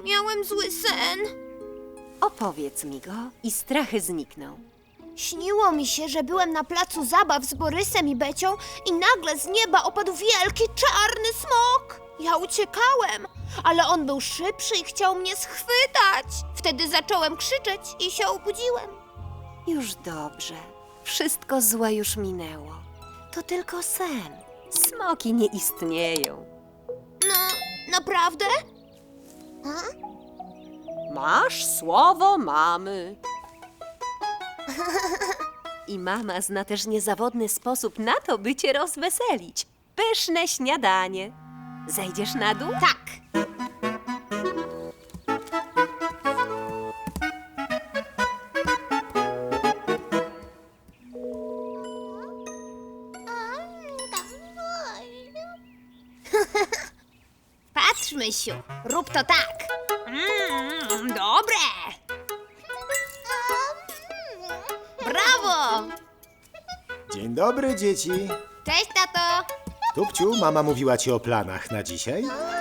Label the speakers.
Speaker 1: Miałem zły sen.
Speaker 2: Opowiedz mi go i strachy znikną.
Speaker 1: Śniło mi się, że byłem na placu zabaw z Borysem i Becią i nagle z nieba opadł wielki, czarny smok. Ja uciekałem, ale on był szybszy i chciał mnie schwytać. Wtedy zacząłem krzyczeć i się obudziłem.
Speaker 2: Już dobrze. Wszystko złe już minęło. To tylko sen. Smoki nie istnieją.
Speaker 1: No, naprawdę?
Speaker 2: Masz słowo mamy. I mama zna też niezawodny sposób na to, by cię rozweselić. Pyszne śniadanie. Zejdziesz na dół?
Speaker 1: Tak. Patrz, Mysiu, rób to tak. Dobre. Brawo.
Speaker 3: Dzień dobry, dzieci.
Speaker 1: Cześć, tato.
Speaker 3: Tupciu, mama mówiła ci o planach na dzisiaj?